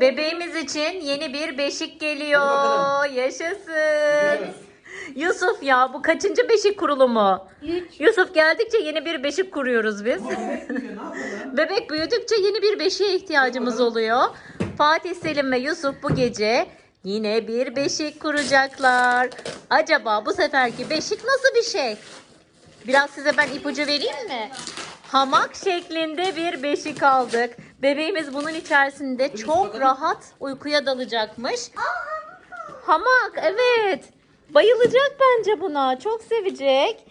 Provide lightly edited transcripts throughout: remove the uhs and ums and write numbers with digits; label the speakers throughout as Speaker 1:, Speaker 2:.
Speaker 1: Bebeğimiz için yeni bir beşik geliyor. Yaşasın. Yusuf ya bu kaçıncı beşik kurulumu?
Speaker 2: 3.
Speaker 1: Yusuf geldikçe yeni bir beşik kuruyoruz biz. Bebek büyüdükçe yeni bir beşiğe ihtiyacımız oluyor. Fatih Selim ve Yusuf bu gece yine bir beşik kuracaklar. Acaba bu seferki beşik nasıl bir şey? Biraz size ben ipucu vereyim mi? Hamak şeklinde bir beşik aldık. Bebeğimiz bunun içerisinde çok rahat uykuya dalacakmış. Hamak, evet. Bayılacak bence buna. Çok sevecek.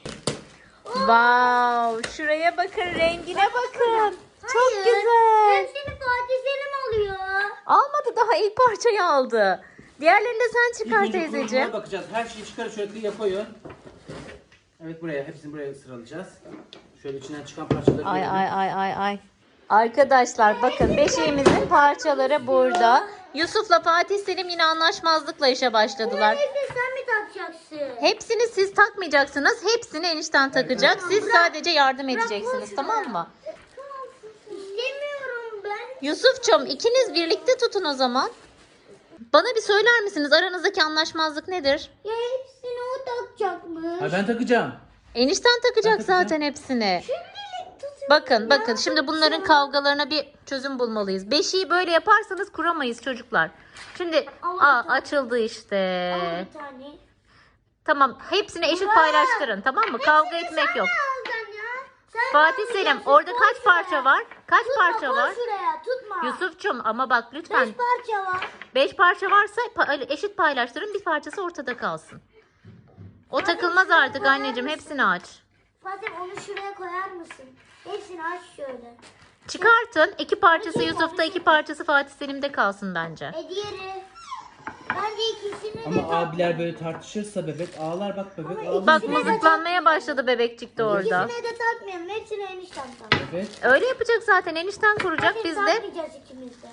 Speaker 1: Wow, şuraya bakın, rengine bakın. Çok güzel.
Speaker 2: Hepsini Fatih Selim alıyor.
Speaker 1: Almadı, daha ilk parçayı aldı. Diğerlerini de sen çıkar teyzeciğim.
Speaker 3: Bakacağız. Her şeyi çıkar, şöyle kıyıya koyun. Evet, buraya, hepsini buraya sıralayacağız. Şöyle içinden çıkan parçaları
Speaker 1: Ay
Speaker 3: görelim.
Speaker 1: ay. Arkadaşlar bakın, beşiğimizin parçaları burada. Yusuf'la Fatih Selim yine anlaşmazlıkla işe başladılar.
Speaker 2: Hepsini sen mi takacaksın?
Speaker 1: Hepsini siz takmayacaksınız. Hepsini enişten takacak. Siz sadece yardım edeceksiniz, tamam mı?
Speaker 2: İstemiyorum ben.
Speaker 1: Yusuf'cum, ikiniz birlikte tutun o zaman. Bana bir söyler misiniz, aranızdaki anlaşmazlık nedir?
Speaker 2: Ya hepsini o takacakmış.
Speaker 3: Ha, ben takacağım.
Speaker 1: Enişten takacak
Speaker 3: Ben takacağım.
Speaker 1: zaten hepsini.
Speaker 2: Şimdilik tutun.
Speaker 1: Bakın şimdi bunların kavgalarına bir çözüm bulmalıyız. Beşiği böyle yaparsanız kuramayız çocuklar. Şimdi açıldı işte.
Speaker 2: Al bir tane.
Speaker 1: Tamam, hepsini eşit paylaştırın, tamam mı? Kavga etmek yok.
Speaker 2: Alacaksın ya. Sen
Speaker 1: Fatih
Speaker 2: alacaksın.
Speaker 1: Selim, orada
Speaker 2: Koy
Speaker 1: kaç
Speaker 2: şuraya.
Speaker 1: parça var? Kaç parça
Speaker 2: Koy
Speaker 1: var?
Speaker 2: şuraya tutma.
Speaker 1: Yusuf'cum ama bak lütfen.
Speaker 2: 5 parça var.
Speaker 1: 5 parça varsa eşit paylaştırın, bir parçası ortada kalsın. O takılmaz artık anneciğim, hepsini aç.
Speaker 2: Fatih onu şuraya koyar mısın? Hepsini aç şöyle.
Speaker 1: Çıkartın, 2 parçası Yusuf'ta, 2 parçası Fatih Selim'de kalsın bence.
Speaker 2: Diğeri. Bence ikisini de
Speaker 3: Ama abiler böyle tartışırsa bebek ağlar, bak bebek ağlar.
Speaker 1: Bak mızıklanmaya başladı bebekçik de orada.
Speaker 2: İkisine de takmayalım. Hepsini enişten tak.
Speaker 3: Evet.
Speaker 1: Öyle yapacak zaten, enişten kuracak,
Speaker 2: Hadi
Speaker 1: biz de.
Speaker 2: takmayacağız ikimiz de.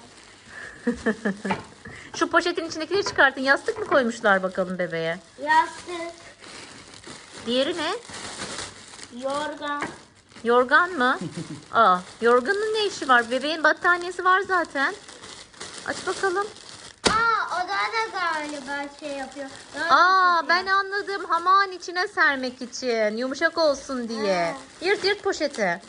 Speaker 1: Şu poşetin içindekileri çıkartın, yastık mı koymuşlar bakalım bebeğe?
Speaker 2: Yastık,
Speaker 1: Diğeri ne?
Speaker 2: yorgan.
Speaker 1: Yorgan mı? Yorganın ne işi var? Bebeğin battaniyesi var zaten. Aç bakalım.
Speaker 2: O da galiba şey yapıyor.
Speaker 1: Ben anladım. Hamağın içine sermek için. Yumuşak olsun diye. Yırt poşeti.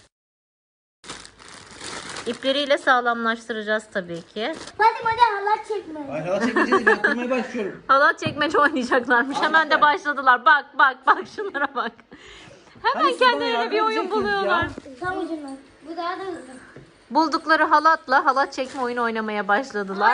Speaker 1: İpleriyle sağlamlaştıracağız tabii ki.
Speaker 2: Hadi halat çekme.
Speaker 3: Hayır, hala çekeceğiz. Ben kurmaya başlıyorum.
Speaker 1: Halat çekmece oynayacaklarmış. Hemen de başladılar. Bak şunlara bak. Hemen
Speaker 3: Hani siz bana
Speaker 1: kendilerine bir
Speaker 3: yardım
Speaker 1: oyun
Speaker 3: edecektiniz
Speaker 1: buluyorlar.
Speaker 3: ya.
Speaker 2: Tam ucundan. Bu daha da hızlı.
Speaker 1: Buldukları halatla halat çekme oyunu oynamaya başladılar.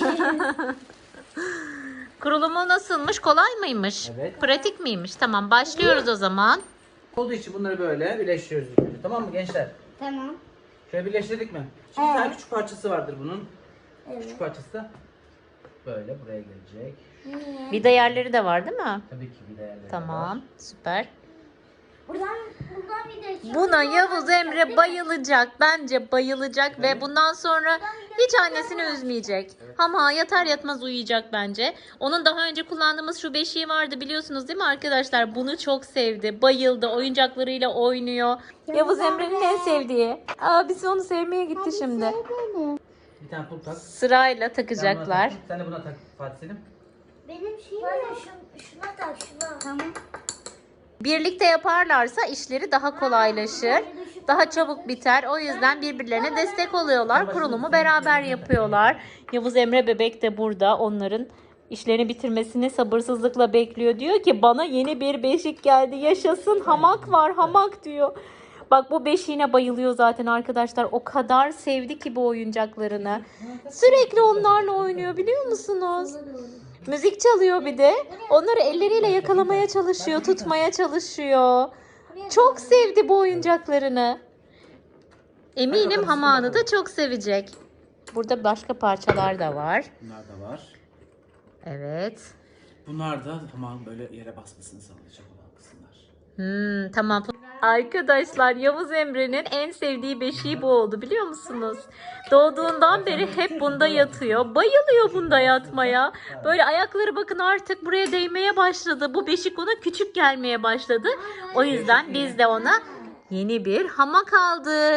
Speaker 1: Kurulumu nasılmış? Kolay mıymış?
Speaker 3: Evet.
Speaker 1: Pratik miymiş? Tamam, başlıyoruz o zaman.
Speaker 3: Olduğu için bunları böyle birleştiriyoruz. ilk önce. Tamam mı gençler?
Speaker 2: Tamam.
Speaker 3: Şöyle birleştirdik mi? Şimdi bir tane küçük parçası vardır bunun.
Speaker 2: Evet.
Speaker 3: Küçük parçası da böyle buraya gelecek.
Speaker 1: Vida yerleri de var değil mi?
Speaker 3: Tabii ki bir değerleri
Speaker 1: Tamam, süper.
Speaker 2: Buradan bir de çıkıyor.
Speaker 1: Buna Yavuz Emre bayılacak. Bence bayılacak ve bundan sonra hiç annesini üzmeyecek. Ama yatar yatmaz uyuyacak bence. Onun daha önce kullandığımız şu beşiği vardı, biliyorsunuz değil mi arkadaşlar? Bunu çok sevdi, bayıldı. Oyuncaklarıyla oynuyor. Yavuz Emre'nin en sevdiği. Abisi onu sevmeye gitti şimdi.
Speaker 3: Bir tane pul tak.
Speaker 1: Sırayla
Speaker 3: Sen buna
Speaker 1: takacaklar.
Speaker 3: tak. Sen de buna tak Fatih Selim.
Speaker 2: Benim şeyim şuna tak şuna. Tamam.
Speaker 1: Birlikte yaparlarsa işleri daha kolaylaşır. Daha çabuk biter. O yüzden birbirlerine destek oluyorlar. Kurulumu beraber yapıyorlar. Yavuz Emre bebek de burada. Onların işlerini bitirmesini sabırsızlıkla bekliyor. Diyor ki bana yeni bir beşik geldi. Yaşasın, hamak var, hamak diyor. Bak bu beşiğine bayılıyor zaten arkadaşlar. O kadar sevdi ki bu oyuncaklarını. Sürekli onlarla oynuyor, biliyor musunuz? Müzik çalıyor bir de. Onları elleriyle yakalamaya çalışıyor, tutmaya çalışıyor. Çok sevdi bu oyuncaklarını. Eminim hamağını da çok sevecek. Burada başka parçalar da var.
Speaker 3: Bunlar da var.
Speaker 1: Evet.
Speaker 3: Bunlar da tamam böyle yere basmasını sağlayacak olan kısımlar.
Speaker 1: Tamam. Arkadaşlar Yavuz Emre'nin en sevdiği beşiği bu oldu, biliyor musunuz? Doğduğundan beri hep bunda yatıyor. Bayılıyor bunda yatmaya. Böyle ayakları bakın artık buraya değmeye başladı. Bu beşik ona küçük gelmeye başladı. O yüzden biz de ona yeni bir hamak aldık.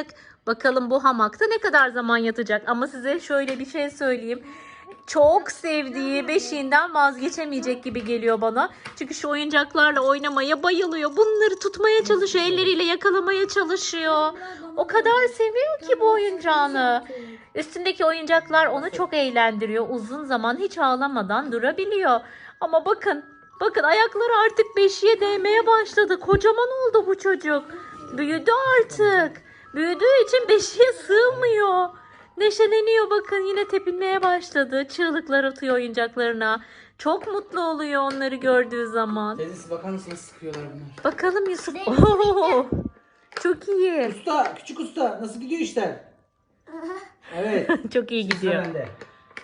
Speaker 1: Bakalım bu hamakta ne kadar zaman yatacak. Ama size şöyle bir şey söyleyeyim. Çok sevdiği beşiğinden vazgeçemeyecek gibi geliyor bana. Çünkü şu oyuncaklarla oynamaya bayılıyor. Bunları tutmaya çalışıyor. Elleriyle yakalamaya çalışıyor. O kadar seviyor ki bu oyuncağını. Üstündeki oyuncaklar onu çok eğlendiriyor. Uzun zaman hiç ağlamadan durabiliyor. Ama bakın ayakları artık beşiğe değmeye başladı. Kocaman oldu bu çocuk. Büyüdü artık. Büyüdüğü için beşiğe sığmıyor. Neşeleniyor bakın, yine tepinmeye başladı. Çığlıklar atıyor oyuncaklarına. Çok mutlu oluyor onları gördüğü zaman.
Speaker 3: Teyzesi bakar mısın nasıl sıkıyorlar bunlar?
Speaker 1: Bakalım Yusuf. Oo, çok iyi.
Speaker 3: Usta, küçük usta nasıl gidiyor işler? Evet.
Speaker 1: Çok iyi gidiyor.
Speaker 3: Sıra bende.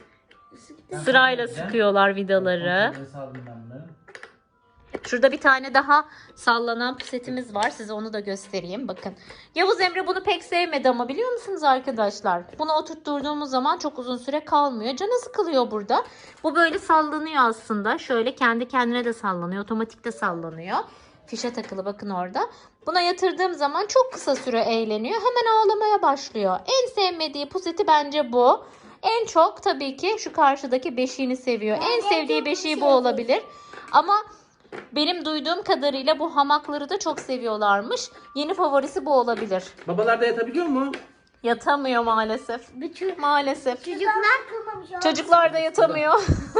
Speaker 1: Sırayla sıkıyorlar vidaları.
Speaker 3: Kontrolleri sağladım ben bunları.
Speaker 1: Şurada bir tane daha sallanan pusetimiz var. Size onu da göstereyim. Bakın. Yavuz Emre bunu pek sevmedi ama biliyor musunuz arkadaşlar? Bunu oturtturduğumuz zaman çok uzun süre kalmıyor. Canı sıkılıyor burada. Bu böyle sallanıyor aslında. Şöyle kendi kendine de sallanıyor. Otomatik de sallanıyor. Fişe takılı bakın orada. Buna yatırdığım zaman çok kısa süre eğleniyor. Hemen ağlamaya başlıyor. En sevmediği puseti bence bu. En çok tabii ki şu karşıdaki beşiğini seviyor. En sevdiği beşiği bu olabilir. Ama benim duyduğum kadarıyla bu hamakları da çok seviyorlarmış. Yeni favorisi bu olabilir.
Speaker 3: Babalar da yatabiliyor mu?
Speaker 1: Yatamıyor maalesef. Maalesef.
Speaker 2: Çocuklar kılmamış.
Speaker 1: Çocuklar da yatamıyor.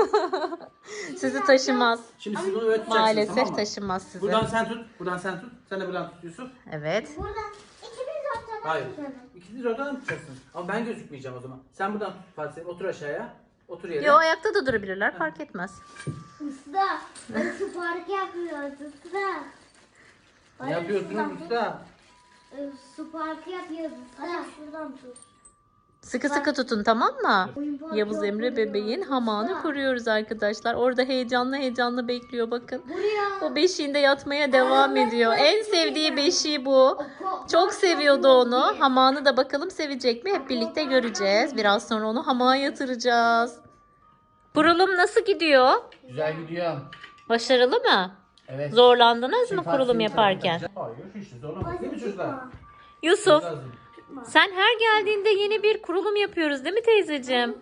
Speaker 1: Sizi taşımaz.
Speaker 3: Şimdi siz bunu öğreteceksiniz,
Speaker 1: Maalesef
Speaker 3: tamam mı?
Speaker 1: taşımaz sizi.
Speaker 3: Buradan sen tut. Buradan sen tut. Sen de buradan tut Yusuf.
Speaker 1: Evet.
Speaker 2: Buradan ikimiz ortadan
Speaker 3: Hayır.
Speaker 2: tutalım.
Speaker 3: İkiniz oradan tutacaksın. Ama ben gözükmeyeceğim o zaman. Sen buradan tut Fatih Selim. Otur aşağıya. Otur yere.
Speaker 1: Yo, ayakta da durabilirler, fark etmez.
Speaker 2: Usta. Su park yapıyoruz usta.
Speaker 3: Ne yapıyorsunuz usta?
Speaker 2: Su parkı yapıyoruz usta. Hadi şuradan tut.
Speaker 1: Sıkı sıkı tutun, tamam mı?
Speaker 2: Oyun parkı
Speaker 1: Yavuz Emre
Speaker 2: yapıyoruz
Speaker 1: bebeğin
Speaker 2: usta.
Speaker 1: hamağını kuruyoruz arkadaşlar. Orada heyecanlı bekliyor bakın.
Speaker 2: Buraya.
Speaker 1: O beşiğinde yatmaya devam ediyor. En sevdiği beşiği bu. Çok seviyordu onu. Hamağını da bakalım sevecek mi? Hep birlikte göreceğiz. Biraz sonra onu hamağa yatıracağız. Kurulum nasıl gidiyor?
Speaker 3: Güzel gidiyor.
Speaker 1: Başarılı mı?
Speaker 3: Evet.
Speaker 1: Zorlandınız
Speaker 3: Şimdi
Speaker 1: mı kurulum
Speaker 3: Fatih Selim
Speaker 1: yaparken?
Speaker 3: tarafına gideceğiz. Hayır, hiç de zorlamak değil mi çocuklar?
Speaker 1: Yusuf,
Speaker 3: Lazım.
Speaker 1: sen her geldiğinde yeni bir kurulum yapıyoruz değil mi teyzeciğim?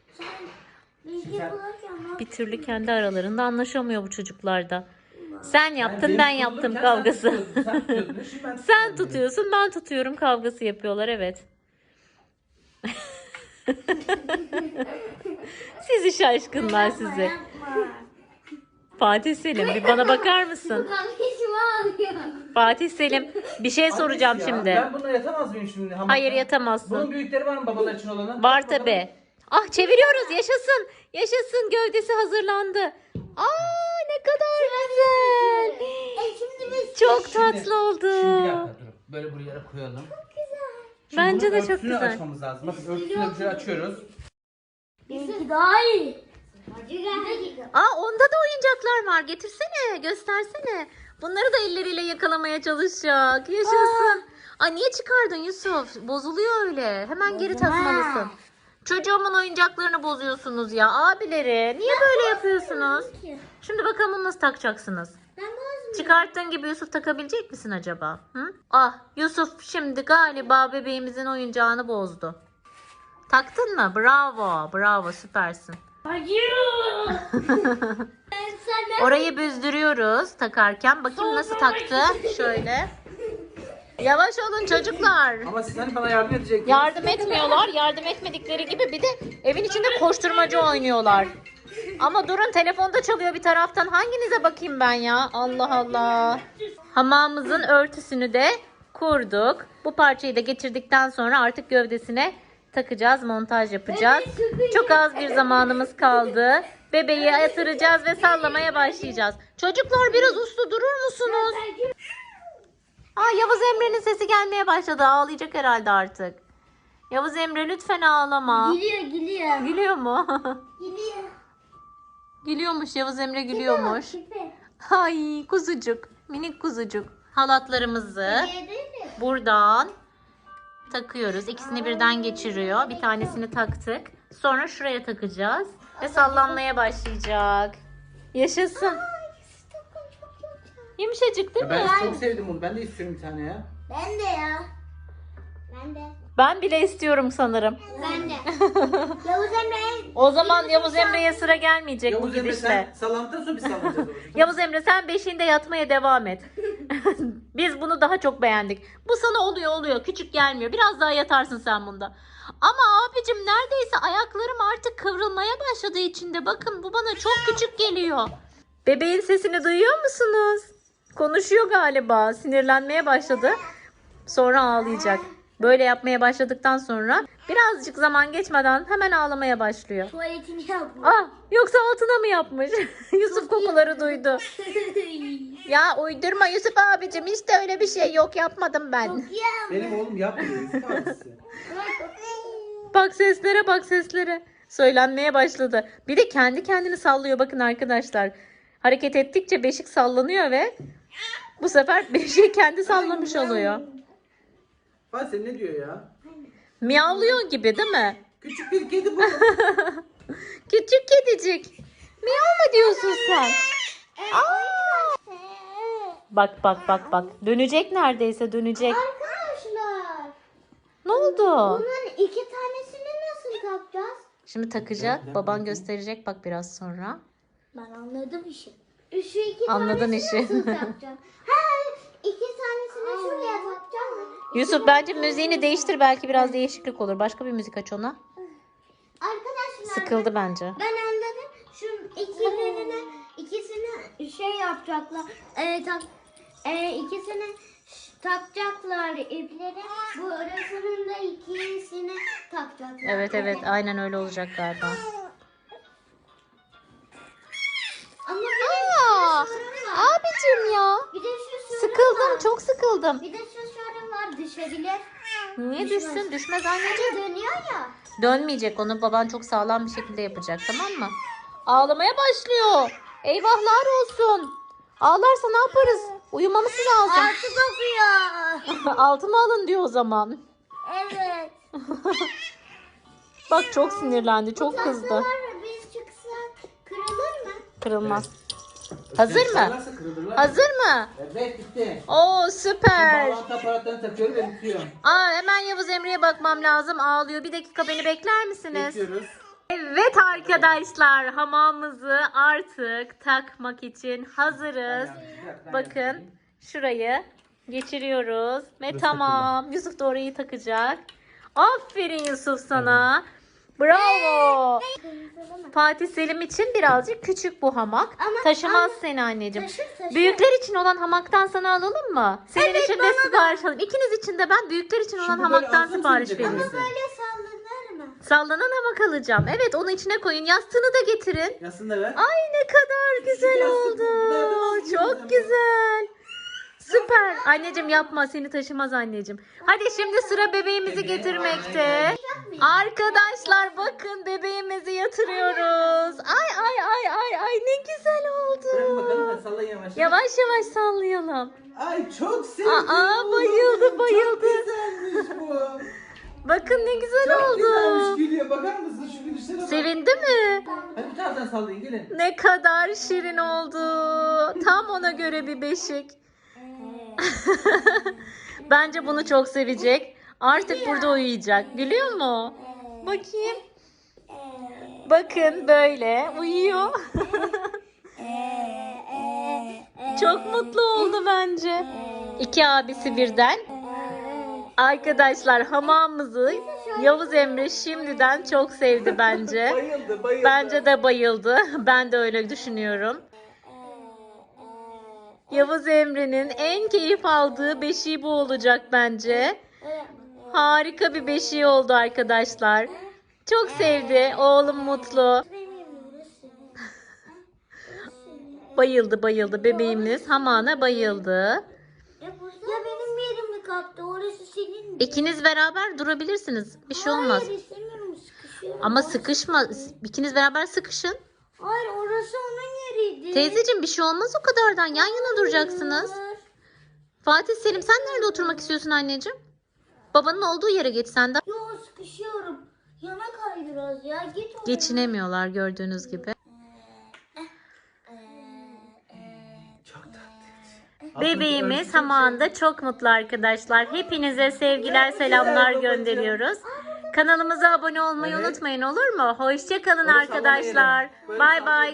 Speaker 2: Bilgi bulurken
Speaker 1: Bir türlü kendi aralarında anlaşamıyor bu çocuklar da. Sen yaptın,
Speaker 3: benim
Speaker 1: ben yaptım
Speaker 3: kurulurken
Speaker 1: kavgası.
Speaker 3: Sen tutuyordun, şimdi ben
Speaker 1: Sen
Speaker 3: tutuyorum.
Speaker 1: tutuyorsun, ben tutuyorum kavgası yapıyorlar, evet. Sizi şaşkınlar sizi.
Speaker 2: yapma.
Speaker 1: Fatih Selim, bir bana bakar mısın?
Speaker 2: Kardeşimi alıyor.
Speaker 1: Fatih Selim, bir şey soracağım
Speaker 3: Annesi ya,
Speaker 1: şimdi.
Speaker 3: Ben bununla yatamaz mıyım şimdi? Hamakta?
Speaker 1: Hayır, yatamazsın.
Speaker 3: Bunun büyükleri var mı babalar için olanı?
Speaker 1: Var
Speaker 3: Bakalım.
Speaker 1: tabi. Ah, çeviriyoruz, yaşasın. Yaşasın, gövdesi hazırlandı. Aa, ne kadar güzel.
Speaker 2: Şimdi biz
Speaker 1: Çok
Speaker 3: Şimdi-
Speaker 1: tatlı oldu.
Speaker 3: Şimdi bir dakika durun. Böyle buraya koyalım. Şimdi
Speaker 1: Bence
Speaker 3: bunun
Speaker 1: de çok
Speaker 3: örtüsünü
Speaker 1: güzel.
Speaker 3: açmamız lazım. Bakın örtüsünü şöyle açıyoruz.
Speaker 2: Bizimki daha iyi.
Speaker 1: Aa, onda da oyuncaklar var. Getirsene, göstersene. Bunları da elleriyle yakalamaya çalışacak. Yaşasın. Aa, niye çıkardın Yusuf? Bozuluyor öyle. Hemen geri takmalısın. Çocuğumun oyuncaklarını bozuyorsunuz ya abileri. Niye böyle yapıyorsunuz? Şimdi bakalım nasıl takacaksınız?
Speaker 2: Ben bozmuyorum.
Speaker 1: Çıkarttığın gibi Yusuf takabilecek misin acaba? Hı? Ah, Yusuf şimdi galiba bebeğimizin oyuncağını bozdu. Taktın mı? Bravo, bravo, süpersin.
Speaker 2: Hayır. Sen
Speaker 1: Orayı büzdürüyoruz takarken. Bakayım nasıl taktı. Şöyle. Yavaş olun çocuklar.
Speaker 3: Ama siz hani bana yardım edecektiniz.
Speaker 1: Yardım etmiyorlar. Yardım etmedikleri gibi bir de evin içinde koşturmacı oynuyorlar. Ama durun, telefonda çalıyor bir taraftan. Hanginize bakayım ben ya? Allah Allah. Hamamımızın örtüsünü de kurduk. Bu parçayı da geçirdikten sonra artık gövdesine takacağız, montaj yapacağız. Çok az bir zamanımız kaldı. Bebeği yatıracağız ve sallamaya başlayacağız. Çocuklar biraz uslu durur musunuz? Aa, Yavuz Emre'nin sesi gelmeye başladı. Ağlayacak herhalde artık. Yavuz Emre lütfen ağlama.
Speaker 2: Gülüyor.
Speaker 1: Gülüyor mu?
Speaker 2: Gülüyor.
Speaker 1: Gülüyormuş, Yavuz Emre gülüyormuş.
Speaker 2: Küpe.
Speaker 1: Ay kuzucuk, minik kuzucuk. Halatlarımızı
Speaker 2: Yedi mi?
Speaker 1: buradan takıyoruz. İkisini birden geçiriyor. Bir tanesini taktık. Sonra şuraya takacağız. Ve sallanmaya başlayacak. Yaşasın. Yumuşacık değil
Speaker 3: Ya
Speaker 1: mi?
Speaker 3: ben çok sevdim bunu. Ben de istiyorum bir tane ya.
Speaker 2: Ben de ya. Ben de.
Speaker 1: Ben bile istiyorum sanırım.
Speaker 2: Ben de. Yavuz Emre.
Speaker 1: O zaman Yavuz Emre'ye sıra gelmeyecek bu
Speaker 3: Yavuz Emre
Speaker 1: gidişle.
Speaker 3: sen sallandıktan sonra biz sallanacağız babacığım.
Speaker 1: Yavuz Emre sen beşiğinde yatmaya devam et. Biz bunu daha çok beğendik. Bu sana oluyor. Küçük gelmiyor. Biraz daha yatarsın sen bunda. Ama abicim neredeyse ayaklarım artık kıvrılmaya başladı içinde. Bakın bu bana çok küçük geliyor. Bebeğin sesini duyuyor musunuz? Konuşuyor galiba. Sinirlenmeye başladı. Sonra ağlayacak. Böyle yapmaya başladıktan sonra birazcık zaman geçmeden hemen ağlamaya başlıyor.
Speaker 2: Tuvaletini yapmış.
Speaker 1: Yoksa altına mı yapmış? Yusuf kokuları duydu. Ya uydurma Yusuf abicim, hiç de öyle bir şey yok, yapmadım ben.
Speaker 3: Benim oğlum yapmıyor Yusuf abisi.
Speaker 1: Bak seslere. Söylenmeye başladı. Bir de kendi kendini sallıyor bakın arkadaşlar. Hareket ettikçe beşik sallanıyor ve bu sefer beşiği kendi sallamış oluyor.
Speaker 3: Fatih sen ne diyor ya?
Speaker 1: Miyavlıyor gibi değil mi?
Speaker 3: Küçük bir kedi bu.
Speaker 1: Küçük kedicik. Miyav mu diyorsun sen? Bak. Dönecek neredeyse, dönecek.
Speaker 2: Arkadaşlar.
Speaker 1: Ne oldu?
Speaker 2: Bunların iki tanesini nasıl takacağız?
Speaker 1: Şimdi takacak. Baban gösterecek bak biraz sonra.
Speaker 2: Ben anladım işi. Şu iki
Speaker 1: Anladın
Speaker 2: tanesini
Speaker 1: işi.
Speaker 2: nasıl takacağım? İki tanesini şuraya takacağım.
Speaker 1: Yusuf bence müziğini değiştir, belki biraz değişiklik olur. Başka bir müzik aç ona.
Speaker 2: Arkadaşlar
Speaker 1: Sıkıldı bence.
Speaker 2: ben anladım. Şu ikisini şey yapacaklar. İkisini takacaklar ipleri. Bu arasının da ikisini takacaklar.
Speaker 1: Evet aynen öyle olacak galiba.
Speaker 2: Ama bir de şu sorun var.
Speaker 1: Abicim ya.
Speaker 2: Bir de şu sorun
Speaker 1: Sıkıldım,
Speaker 2: var.
Speaker 1: çok sıkıldım.
Speaker 2: Bir de şu sorun var, düşebilir.
Speaker 1: Niye düşsün? Düşmez anneciğim.
Speaker 2: Dönüyor ya.
Speaker 1: Dönmeyecek, onu baban çok sağlam bir şekilde yapacak, tamam mı? Ağlamaya başlıyor. Eyvahlar olsun. Ağlarsa ne yaparız? Uyumamız lazım.
Speaker 2: Altı kokuyor.
Speaker 1: Altımı alın diyor o zaman.
Speaker 2: Evet.
Speaker 1: Bak çok sinirlendi, çok kızdı.
Speaker 2: Tatlılar biz çıksak kırılır mı?
Speaker 1: Kırılmaz. Hazır mı?
Speaker 3: Sallarsa kırılırlar.
Speaker 1: Hazır mı?
Speaker 3: Evet bitti.
Speaker 1: Oo süper.
Speaker 3: Bağlantı aparatlarını takıyorum ve bitiyorum.
Speaker 1: Hemen Yavuz Emre'ye bakmam lazım. Ağlıyor. Bir dakika beni bekler misiniz?
Speaker 3: Bekliyoruz.
Speaker 1: Evet arkadaşlar, hamamımızı artık takmak için hazırız. Bakın şurayı geçiriyoruz ve
Speaker 3: Burası
Speaker 1: tamam. Yusuf da orayı takacak. Aferin Yusuf sana. Bravo. Fatih Selim için birazcık küçük bu hamak.
Speaker 2: Ama-
Speaker 1: Taşımaz seni anneciğim.
Speaker 2: Taşır.
Speaker 1: Büyükler için olan hamaktan sana alalım mı? Senin için de sipariş alalım. İkiniz için de ben büyükler için olan
Speaker 3: Şimdi böyle
Speaker 1: hamaktan
Speaker 3: alsam
Speaker 1: sipariş
Speaker 3: söyleyecek
Speaker 1: vereyim.
Speaker 3: misin?
Speaker 2: Böyle sallanır mı?
Speaker 1: Sallanan hamak alacağım. Evet, onu içine koyun. Yastığını da getirin.
Speaker 3: Yasını da ver.
Speaker 1: Ay ne kadar güzel
Speaker 3: yastık
Speaker 1: oldu.
Speaker 3: bu. Nereden aldın
Speaker 1: Çok
Speaker 3: sen
Speaker 1: güzel. Süper. Anneciğim yapma, seni taşımaz anneciğim. Hadi şimdi sıra bebeğimizi getirmekte. Arkadaşlar bakın, bebeğimizi yatırıyoruz. Ay ne güzel
Speaker 3: Bırak bakalım
Speaker 1: oldu.
Speaker 3: da sallayın yavaş.
Speaker 1: Yavaş yavaş sallayalım.
Speaker 3: Ay çok sevdim.
Speaker 1: Bayıldı.
Speaker 3: Çok güzelmiş bu.
Speaker 1: Bakın ne güzel
Speaker 3: Çok güzelmiş,
Speaker 1: oldu.
Speaker 3: gülüyor. Bakar mısın şu gülüşlere bak.
Speaker 1: Sevindi mi?
Speaker 3: Hadi bir taraftan sallayın gelin.
Speaker 1: Ne kadar şirin oldu. Tam ona göre bir beşik. Bence bunu çok sevecek. Artık burada uyuyacak. Gülüyor mu? Bakayım. Bakın böyle uyuyor. Çok mutlu oldu bence. İki abisi birden. Arkadaşlar hamamımızı Yavuz Emre şimdiden çok sevdi bence.
Speaker 3: Bayıldı.
Speaker 1: Bence de bayıldı. Ben de öyle düşünüyorum. Yavuz Emre'nin en keyif aldığı beşiği bu olacak bence. Harika bir beşiği oldu arkadaşlar. Çok sevdi. Oğlum mutlu. Bayıldı. Bebeğimiz hamana bayıldı.
Speaker 2: Ya benim yerimi kaptı. Orası senin mi?
Speaker 1: İkiniz beraber durabilirsiniz. Bir şey olmaz.
Speaker 2: Hayır istemiyorum, sıkışıyorum.
Speaker 1: Ama sıkışma. İkiniz beraber sıkışın.
Speaker 2: Hayır, orası onun yeriydi.
Speaker 1: Teyzeciğim bir şey olmaz o kadardan. Yan yana duracaksınız. Fatih Selim, sen nerede oturmak istiyorsun anneciğim? Babanın olduğu yere geç sen de.
Speaker 2: Yo, sıkışıyorum. Yana kay biraz ya. Git oraya.
Speaker 1: Geçinemiyorlar gördüğünüz gibi.
Speaker 3: Çok tatlı.
Speaker 1: Bebeğimiz hamağında çok mutlu arkadaşlar. Hepinize sevgiler, selamlar gönderiyoruz. Kanalımıza abone olmayı
Speaker 3: Evet.
Speaker 1: unutmayın, olur mu? Hoşça kalın
Speaker 3: Onu
Speaker 1: arkadaşlar.
Speaker 3: sallamayalım. Böyle
Speaker 1: Bay bay.